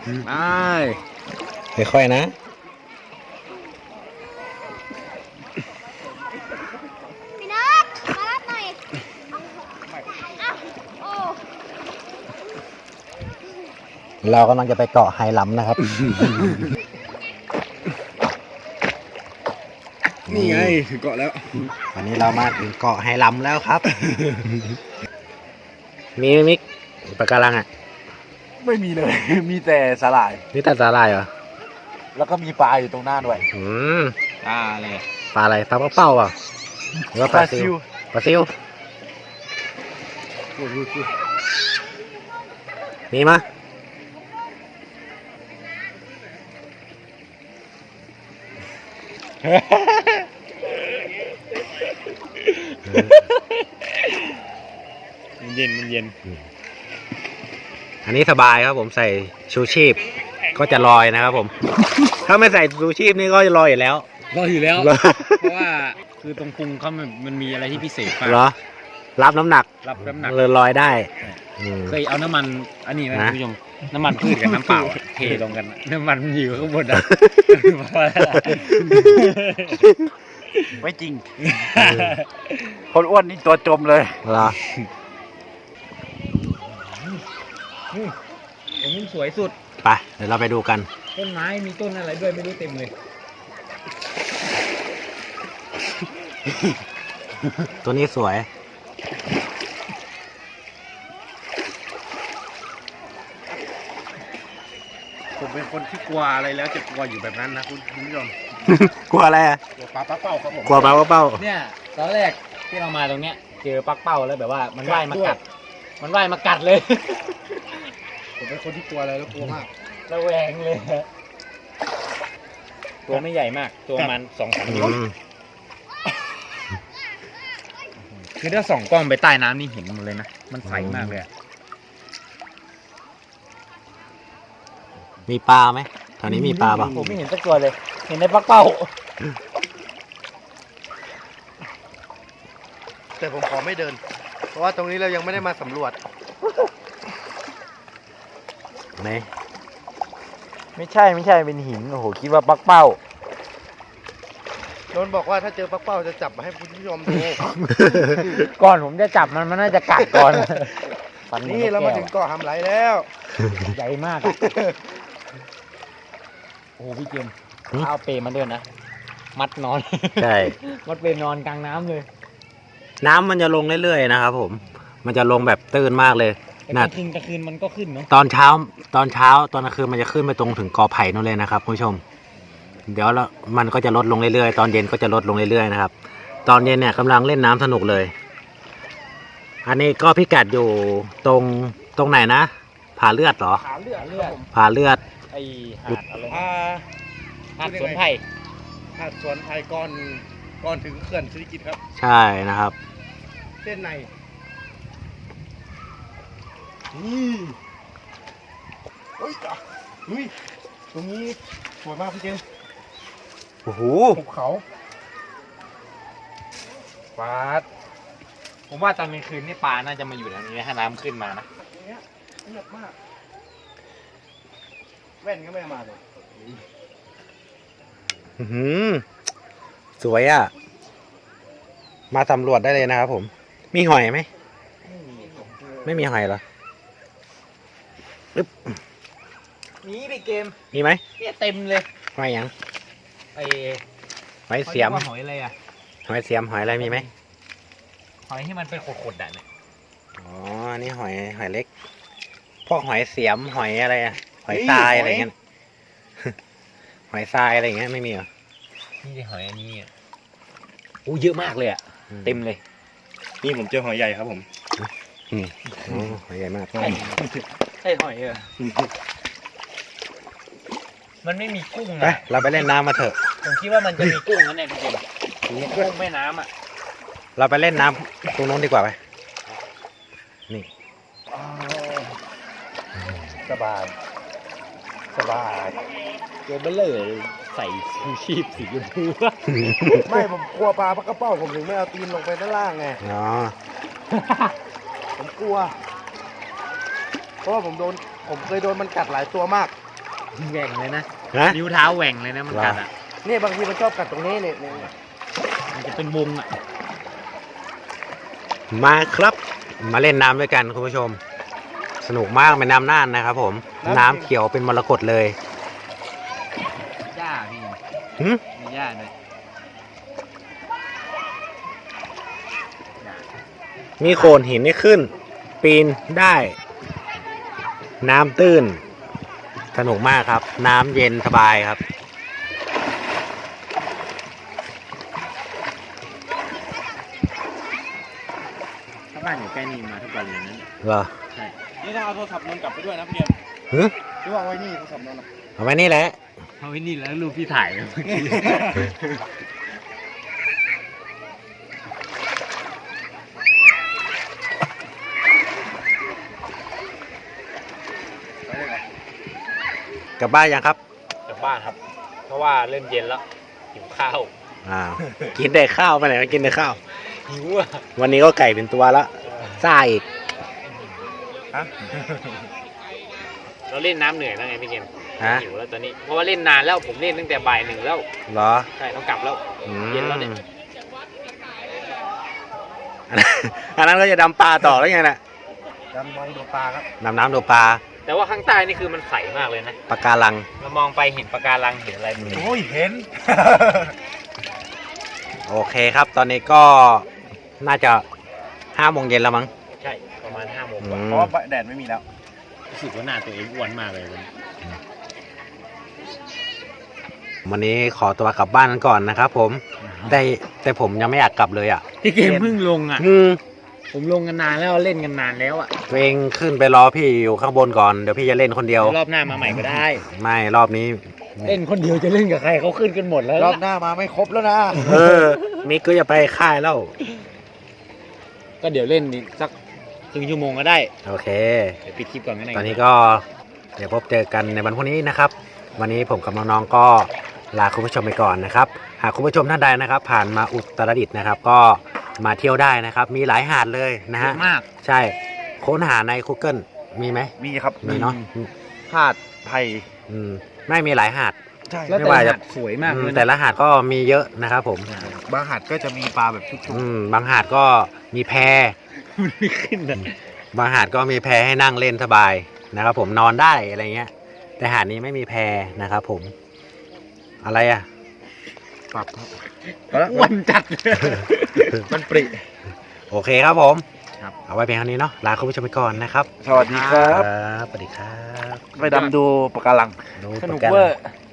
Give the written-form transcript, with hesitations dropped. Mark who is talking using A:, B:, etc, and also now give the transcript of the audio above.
A: ค่อยๆนะ
B: พี่นัทมารับหน่อยโอ้
A: เรากำลังจะไปเกาะไฮลัมนะครับ
C: นี่ไงถึงเกาะแล้ว
A: วันนี้เรามาถึงเกาะไฮลัมแล้วครับ มีมิกปะการังอ่ะ
C: ไม่มีเลย มีแต่สาหร่าย
A: นี่ตัดสาหร่ายเหรอ
C: แล้วก็มีปลาอยู่ตรงหน้าด้วย
A: ปลาอะไรปลาอะไรปลาเป้าอ่ะหรือว่าปลาซิวปลาซิวมีมะ
C: มันเย็นมันเย็น
A: อันนี้สบายครับผมใส่ชูชีพก็จะลอยนะครับผม ถ้าไม่ใส่ชูชีพนี่ก็จะลอยอยู่แล้ว
D: รออยู่แล้ว เพราะว่าคือตรงพุงเขามันมีอะไรที่พิเศษมาก
A: เหรอรับน้ำหนัก
D: รับน้ำหนัก
A: เลยลอยได้
D: เคยเอาน้ำมันอันนี้ไหมคุณผู้ชมน้ำมันพืชกับน้ำเปล่าเทลงกันน้ำมันมันอยู่ข้างบนอ่ะ
C: ไม่จริง คนอ้วนนี่ตัวจมเลย
A: เหรอ
D: อันนี้สวยสุด
A: ไปเดี๋ยวเราไปดูกัน
D: ต้นไม้มีต้นอะไรด้วยไม่รู้เต็มเลย
A: ตัวนี้สวย
C: ผมเป็นคนที่กลัวอะไรแล้วจะกลัวอยู่แบบนั้นนะคุณผู้ชม
A: กลัวอะไรอ่ะ
C: กลัวปลาเป้าครับผม
A: กลัวปลาเป้า
D: เนี่ยตอนแรกที่เรามาตรงเนี้ยเจอปักเป้าแล้วแบบว่ามันว่ายมากัด มันว่ายมากัดเลย
C: ผมเป็นคนที่กลัวอะไรแล้วกลัวมาก
D: ระแวงเลยตัวไม่ใหญ่มากตัวมัน2-3 นิ้ว คือถ้าส่องกล้องไปใต้น้ำนี่เห็นหมดเลยนะ มันใสมากเลยอะ
A: มีปลาไหมแถวนี้มีปลาป่ะ
D: ผมไม่เห็นสักตัวเลย เห็นในปักเป้า
C: แต่ผมขอไม่เดิน เพราะว่าตรงนี้เรายังไม่ได้มาสำรวจ
A: ไหน
D: ไม่ใช่เป็นหิน โอ้โห คิดว่าปักเป้า
C: โดนบอกว่าถ้าเจอปลาเป้าจะจับมาให้คุณผู้ชมดู
D: ก่อนผมจะจับมันน่าจะกัดก่อน
C: นี่เรามาถึงเกาะหำไหลแล้ว
D: ใหญ่มากอะโอ้โหพี่เจมส์เอาเปรมาด้วยนะ มัดนอน
A: ใช่
D: มัดเปรนอนกลางน้ำเลย
A: น้ำมันจะลงเรื่อยๆนะครับผม มันจะลงแบบตื้นมากเลย
D: แต่
A: น่ะ
D: กลางคืนมันก็ขึ้นเนาะ
A: ตอนเช้าตอนกลางคืนมันจะขึ้นไปตรงถึงกอไผ่นู่นเลยนะครับคุณผู้ชม เดี๋ยวแล้วมันก็จะลดลงเรื่อยๆตอนเย็นก็จะลดลงเรื่อยๆนะครับ ตอนเย็นเนี่ยกำลังเล่นน้ำสนุกเลย อันนี้ก็พิกัดอยู่ตรงไหนนะผาเลือดเหรอ
C: ขาเลือด
A: ผาเลือด
D: ไอหาดอะไร
C: อ่า
D: หาดสวนไผ่
C: หาดสวนไทยก่อนถึงเขื่อนศิริกิติ์ครับ
A: ใช่นะครับ
C: เส้นในนี่เฮ้ยตรงนี้สวยมากพี่เจมส์
A: โอ้โห
C: ภูเขา
D: ปลาผมว่าตอนกลางคืนนี่ปลาน่าจะมาอยู่แถวนี้ถ้าน้ำขึ้นมานะ
C: เนี้ยเงียบมากแว่นก็ไม่เอามาเลย
A: อื้อหือสวยอ่ะ มาสำรวจได้เลยนะครับผม มีหอยไหม ไม่มีหอยเหรอ
D: นี่ไปเกม
A: มีไหม
D: เนี่ยเต็มเลย
A: หอยหยัง
D: ไอ
A: หอยเสียม
D: หอยอะไรอ่ะ
A: หอยเสียมหอยอะไรมีไหม
D: หอยที่มันเป็นขดๆอ่ะเนี่ย
A: อ๋ออันนี้หอยเล็ก พวกหอยเสียมหอยอะไรอะหอยทรายอะไรเงี้ย หอยทรายอะไรเงี้ยไม่มีเหรอ
D: นี่ได้หอยอันนี้อ่ะโอ้เยอะมากเลยอ่ะ เต็มเลย
C: นี่ผมเจอหอยใหญ่ครับผม
A: อ๋อหอยใหญ่มาก
D: ใช่หอยมันไม่มีกุ้ง
A: ไป
D: นะ
A: เราไปเล่นน้ำมาเถอะ
D: ผมคิดว่ามันจะมีกุ้งนั่นแหละพี่เจมส์กุ้งแม่น้ำอ่ะ
A: เราไปเล่นน้ำตรงโน้นดีกว่าไป นี่
C: สบาย
D: เกมเบลเลยใส่ชูชีพสีชมพู
C: ไม่ผมกลัวปลากระเป้าผมถึงไม่เอาตีนลงไปด้านล่างไง
A: อ๋อ
C: ผมกลัว เพราะว่าผมเคยโดนมันกัดหลายตัวมาก
D: แหว่งเลยนะ
A: ฮะ
D: นิ้วเท้าแหว่งเลยนะมันกัดอ่ะ
C: เนี่ยบางทีมันชอบกัดตรงนี้เนี่ยเนี่ย
D: มันจะเป็นวงอ่ะ
A: มาครับ มาเล่นน้ำด้วยกันคุณผู้ชม สนุกมากเป็นน้ำน่านนะครับผม น้ำเขียวเป็นมรกตเลย
D: หญ้าพี่
A: หึ
D: มีหญ้าด้วย
A: มีโขดหินให้ขึ้น ปีนได้ น้ำตื้น สนุกมากครับ น้ำเย็นสบายครับ
D: ถ้าบ้านอยู่ใกล้นี่มาทุกวันเลยนะ
A: เหรอ
D: ใช่
C: นี่ถ้าเอาโทรศัพท์นนกลับไปด้วยนะพี่เอ็ม
A: หึ
C: หรือว่าเอาไว้นี่โทรศัพท์นนท์
A: เอาไว้นี่แหละ
D: เอาไว้นี่แล้วรูปพี่ถ่ายเมื่อกี้
C: ไปเลยครับ
A: กลับบ้านยังครับ
D: กลับบ้านครับ เพราะว่าเริ่มเย็นแล้วหิวข้าว
A: อ้าว กินแต่ข้าวไปไหนก็กินแต่ข้าว
D: หิวอ่ะ
A: วันนี้ก็ไก่เป็นตัวละซ่าอีก
C: ฮะ
D: เราเล่นน้ำเหนื่อยแล้วไงพี่เกม
A: ฮะ
D: หิวแล้วตอนนี้เพราะว่าเล่นนานแล้วผมเล่นตั้งแต่บ่าย 1แล้ว
A: เหรอ
D: ใช่ต้องกลับแล้ว
A: อืม
D: เย็นแล้วเนี่ย
A: อันนั้นก็จะดำปลาต่อแล้วไงน่ะ
C: ดำมองดูปลาครับ
A: ดำน้ำดูปลา
D: แต่ว่าข้างใต้นี่คือมันใสมากเลยนะ
A: ปลาการัง
D: เรามองไปเห็นปะการังเห็นอะไรหมดเลย
C: โอ้ยเห็น
A: โอเคครับ ตอนนี้ก็น่าจะ5 โมงเย็นแล้วมั้ง
D: ใช่ประมาณ5 โมง
A: อื
D: กว่า
A: ม
C: เพราะว่าแดดไม่มีแล้ว
D: รู้สึกว่าหน้าตัวเองอ้วนมากเลยวันนี้
A: วันนี้ขอตัวกลับบ้านกันก่อนนะครับผมแต่ผมยังไม่อยากกลับเลยอ่ะ
D: พี่เกมเพิ่งลงอ่ะ
A: อืม
D: ผมลงกันนานแล้วเล่นกันนานแล้วอ่ะ
A: ตัวเองขึ้นไปรอพี่อยู่ข้างบนก่อนเดี๋ยวพี่จะเล่นคนเดียว
D: รอบหน้ามาใหม่ก็ได้
A: ไม่รอบนี้
D: เล่นคนเดียวจะเล่นกับใครเขาขึ้นกันหมดแล้ว
C: รอบหน้ามาไม่ครบแล้วนะ
A: เออมิกก็จะไปค่ายแล้ว
D: ก็เดี๋ยวเล่นอีกสักครึ่งชั่วโมงก็ได้
A: โอเค
D: เดี๋ยวปิดคลิปก่อนก็ได้
A: ตอนนี้ก็เดี๋ยวพบเจอกันในวันพรุ่งนี้นะครับ วันนี้ผมกับน้องๆก็ลาคุณผู้ชมไปก่อนนะครับ หากคุณผู้ชมท่านใดนะครับ ผ่านมาอุตรดิตถ์นะครับ ก็มาเที่ยวได้นะครับ มีหลายหาดเลยนะ
D: เย
A: ฮะ
D: อะมาก
A: ใช่ค้นหาใน Google มีไหม
C: มีครับ
A: มีเนาะ
C: หาดไผ่
A: อืมไม่มีหลายหาด
C: ใช่
D: แล้ว
A: ไม่
D: แต่
A: ว่า
D: หา
A: จะ
D: ดสวยมาก
A: อื
D: เล
A: ม
D: ย
A: แต่
D: นะ
A: ละหาดก็มีเยอะนะครับผม
C: บางหาดก็จะมีปลาแบบชุก
A: บางหาดก็มีแพ
D: มันไม่ขึ้นเลย
A: บางหาดก็มีแพให้นั่งเล่นสบายนะครับผมนอนได้อะไรเงี้ย แต่หาดนี้ไม่มีแพนะครับผม อะไรอ่ะ
C: ๆปรับครับ
D: อ้วนจัดเลย
C: มันปริ
A: โอเคครับผม
D: ครับ
A: เอาไว้เพียงเท่านี้เนาะลาคุณผู้ชมไปก่อนนะครับ
C: สวัสดีครับ
A: สวัสดีครับ
C: ไปดำดูปะการัง
A: ดู
D: สนุก
A: โปรแรม
D: เวอร์